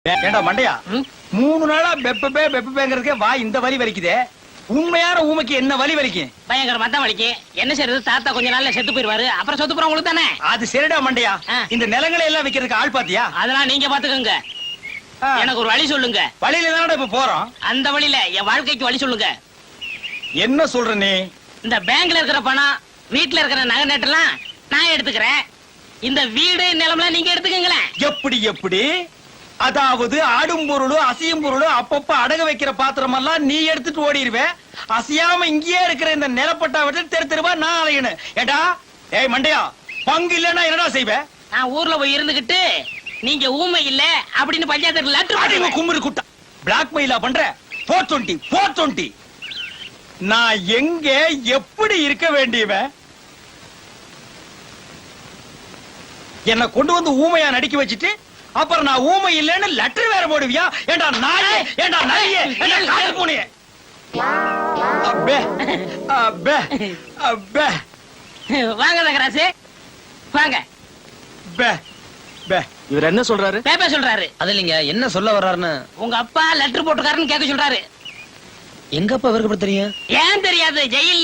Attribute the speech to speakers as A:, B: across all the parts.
A: ஏண்டா மண்டையா 3 நாளா பெப்பேங்கிறதுக்கே வா இந்த வலி வலிக்குதே. உண்மையான ஊமைக்கு என்ன வலி வலிக்கும்?
B: பயங்கரமா தான் வலிக்கும். என்ன செய்யறது, தாத்தா கொஞ்ச நாள்ல செத்து போயிருவாரு. அப்புறம் சொத்து போற உங்களுக்கு தானே.
A: அது சரிடா மண்டையா, இந்த நிலங்களை எல்லாம் விக்கிறதுக்கு ஆள் பாத்தியா?
B: அதெல்லாம் நீங்க பாத்துக்கோங்க. எனக்கு ஒரு வழி சொல்லுங்க.
A: வழியில தானடா இப்ப போறோம்.
B: அந்த வழியில என் வாழ்க்கைக்கு வழி சொல்லுங்க.
A: என்ன சொல்ற நீ? இந்த
B: பேங்க்ல இருக்கிற பணம், வீட்டுல இருக்கிற நகை நட்டெல்லாம் நான் எடுத்துக்கிறேன். இந்த வீடு நிலம்லாம் நீங்க எடுத்துக்கங்களேன்.
A: எப்படி எப்படி? அதாவது ஆடும் பொருளும் அசையும் பொருளும் அப்பப்ப அடகு வைக்கிற பாத்திரம் எல்லாம் நீ எடுத்துட்டு ஓடிடுவேன். அசையாம இங்கேயே இருக்கிற இந்த நிலப்பட்டா விட்டு தெரு தெருவா நான் அலையணும். ஏடா ஏய் மண்டையா, பங்கு இல்லன்னா என்னடா செய்வேன்?
B: நான் ஊர்ல போய் இருந்துகிட்டு நீங்க ஊமை இல்ல அப்படின்னு பஞ்சாயத்து லெட்டர்
A: கும்பிடு குட்டா பிளாக் மெயிலா பண்ற. 420 நான் எங்க எப்படி இருக்க வேண்டியவன்? என்ன கொண்டு வந்து ஊமையா நடிக்க வச்சுட்டு அப்புறம் நான் ஊமை இல்லன்னு லெட்டர் வேற போடுவியா? ஏண்டா நாயே, ஏண்டா நாயே, ஏண்டா கால் பூனையே. அப்பே அப்பே அப்பே
B: வாங்க தகராசு வாங்க.
A: பே பே
C: இவர் என்ன சொல்றாரு?
B: பேப்ப சொல்றாரு.
C: அது இல்லைங்க, என்ன சொல்ல வர்றாருன்னு.
B: உங்க அப்பா லெட்டர் போட்டுக்காருன்னு கேட்க சொல்றாரு.
C: எங்க அப்பா இவருக்கு எப்படி தெரியும்?
B: ஏன் தெரியாது? ஜெயில்ல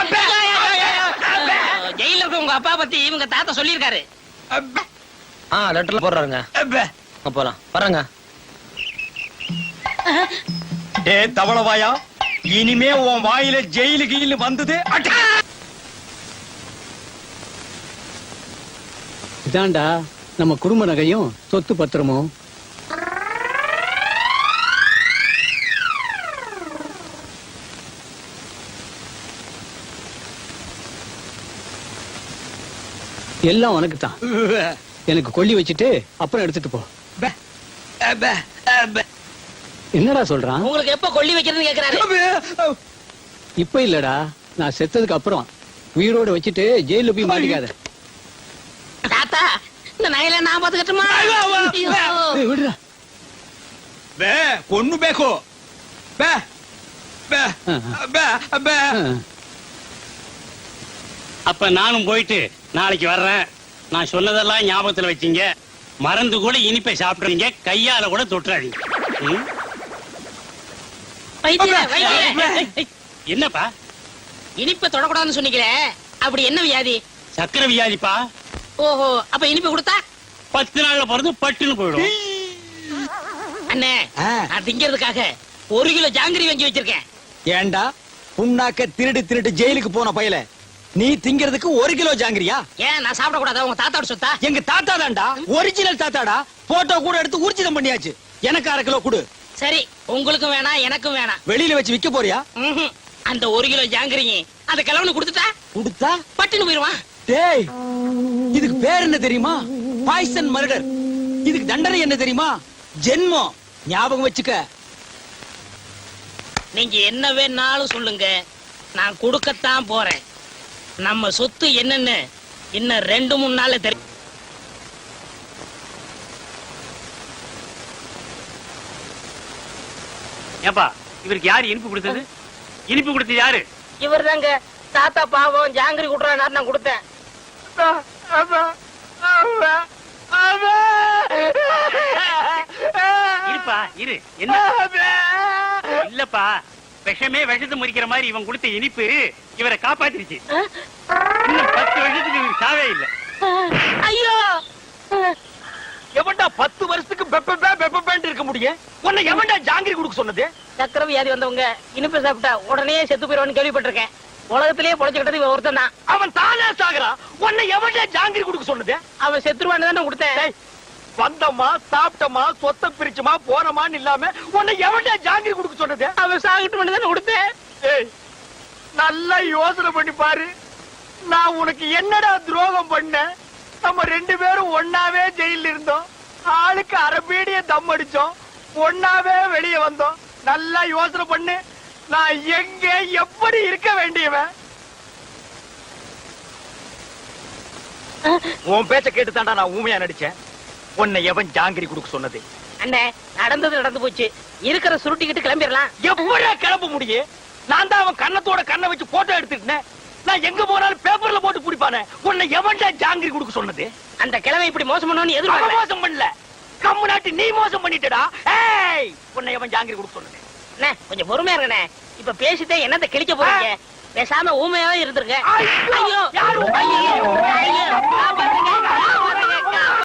B: ஜெயில இருக்க உங்க அப்பா பத்தி இவங்க தாத்தா சொல்லிருக்காரு.
C: லெட்டர்ல போடுறாருங்க. போலாம் வராங்க.
A: ஏ தவளவாயா, இனிமே உன் வாயில ஜெயிலு கீழ் வந்தது
D: இதாண்டா நம்ம குடும்ப நகையும் சொத்து பத்திரமும். எல்லாம் உனக்கு தான். எனக்கு கொல்லி வச்சுட்டு அப்புறம் எடுத்துட்டு போ. என்னடா சொல்றான்?
B: உங்களுக்கு எப்ப கொல்லி வைக்கிறதுன்னு கேக்குறாரு.
D: இப்ப இல்லடா, நான் செத்ததுக்கு அப்புறம் உயிரோட வச்சுட்டு ஜெயில போய் மாட்டிக்காத.
B: தாத்தா, இந்த நகையில நான் பாத்துக்கட்டுமா?
D: விடுறா.
A: பே பொண்ணு பேக்கோ பே பே பே பே.
E: அப்ப நானும் போயிட்டு நாளைக்கு வர்றேன். நான் சொன்னதெல்லாம் ஞாபகத்துல வச்சீங்க. மறந்து கூட இனிப்பை சாப்பிடுறீங்க, கையால கூட தொட்டுறாதீங்க. என்னப்பா
B: இனிப்பை தொடக்கூடாதுன்னு சொன்னீங்களே, அப்படி என்ன வியாதி?
E: சக்கரை வியாதிப்பா.
B: ஓஹோ, அப்ப இனிப்பு கொடுத்தா
E: 10 நாள்ல பிறந்து பட்டுன்னு போயிடும்.
B: அண்ணே, நான் திங்கிறதுக்காக 1 கிலோ ஜாங்கிரி வாங்கி வச்சிருக்கேன்.
A: ஏண்டா புண்ணாக்க திருடு திருடு ஜெயிலுக்கு போன பயல, நீ திங்கிறதுக்கு 1 கிலோ ஜாங்கிரியா?
B: ஏன் நான் சாப்பிட கூடாதா? உங்க தாத்தாவோட சொத்தா?
A: எங்க தாத்தா தான்டா, ஒரிஜினல் தாத்தாடா. போட்டோ கூட எடுத்து ஊர்ஜிதம் பண்ணியாச்சு. எனக்கு 1/2 கிலோ கொடு.
B: சரி, உங்களுக்கும் வேணாம் எனக்கும் வேணாம்.
A: வெளியில வச்சு விக்க போறியா?
B: அந்த 1 கிலோ ஜாங்கிரி அந்த கிழவனு கொடுத்துட்டா
A: கொடுத்தா
B: பட்டுன்னு போயிருவான்.
A: டேய், இதுக்கு பேர் என்ன தெரியுமா? Poison murder. இதுக்கு தண்டனை என்ன தெரியுமா? ஜென்மம். ஞாபகம் வச்சுக்க.
B: நீங்க என்ன வேணாலும் சொல்லுங்க, நான் கொடுக்கத்தான் போறேன். நம்ம சொத்து என்னன்னு இன்னும் 2-3 நாள்ல தெரியும்.
E: ஏப்பா, இவருக்கு யாரு இனிப்பு கொடுத்தது? இனிப்பு கொடுத்தது யாரு?
B: இவர் தாங்க. தாத்தா பாவம் ஜாங்கிரி குடுறாரு, நான் கொடுத்தேன்.
E: இருப்பா இரு. என்ன இல்லப்பா, விஷமே விஷத்தை முறிக்கிற மாதிரி இவன் கொடுத்த இனிப்பு இவரை காப்பாத்திருச்சு. இன்னும் 10 வருஷத்துக்கு இவருக்கு சாவே இல்ல.
B: ஐயோ,
A: எவன்டா 10 வருஷத்துக்கு பெப்பேன்னு இருக்க முடியும்? உன்னை எவன்டா ஜாங்கிரி கொடுக்க சொன்னது?
B: சக்கரை வியாதி வந்தவங்க இனிப்பு சாப்பிட்டா உடனே செத்து போயிருவான்னு கேள்விப்பட்டிருக்கேன். உலகத்திலேயே பொழைச்சுக்கிட்டது இவன் ஒருத்தன் தான்.
A: அவன் தானே சாகுறான். உன்னை எவன்டா ஜாங்கிரி கொடுக்க சொன்னது?
B: அவன் செத்துருவான்னு தானே கொடுத்தேன்.
A: வந்தமா சாப்பிட்டமா சொத்தை பிரிச்சுமா போனமான்னு இல்லாம உன்னை எவன்டா ஜாங்கிரி கொடுக்க சொன்னது?
B: அவன் சாகிட்டு தானே கொடுத்தேன்.
A: ஏய், நல்லா யோசனை பண்ணி பாரு. நான் உனக்கு என்னடா துரோகம் பண்ண? நம்ம 2 பேரும் ஒன்னாவே ஜெயில இருந்தோம். ஆளுக்கு அரபீடிய தம் அடிச்சோம். ஒன்னாவே வெளியே வந்தோம். நல்லா யோசனை பண்ணு. நான் எங்க எப்படி இருக்க வேண்டியவன்? உன் பேச்ச கேட்டு தாண்டா நான் ஊமையா நடிச்சேன். உன்னை எவன் ஜாங்கிரி கொடுக்க சொன்னது?
B: அண்ணே, நடந்தது நடந்து போச்சு. இருக்கிற சுருட்டிக்கிட்டு கிளம்பிடலாம்.
A: எப்படியா கிளம்ப முடியும்? நான் தான் அவன் கண்ணத்தோட கண்ணை வச்சு போட்டோ எடுத்துக்கிட்டேன். நான் எங்க போனாலும் பேப்பர்ல போட்டு பிடிப்பானே. உன்னை எவன்டா ஜாங்கிரி கொடுக்க சொன்னது?
B: அந்த கிழமை இப்படி மோசம் பண்ணணும்னு எதிர்பார்க்கல.
A: மோசம் பண்ணல. கம்முனாட்டி நீ மோசம் பண்ணிட்டடா. ஏய் உன்னை எவன் ஜாங்கிரி கொடுக்க சொன்னது?
B: அண்ணே கொஞ்சம் பொறுமையா இருங்கண்ணே. இப்ப பேசிட்டே என்னத்த கிழிக்க போறீங்க? பேசாம ஊமையாவே இருந்திருக்க.
A: ஐயோ,
B: ஐயோ
A: யாரு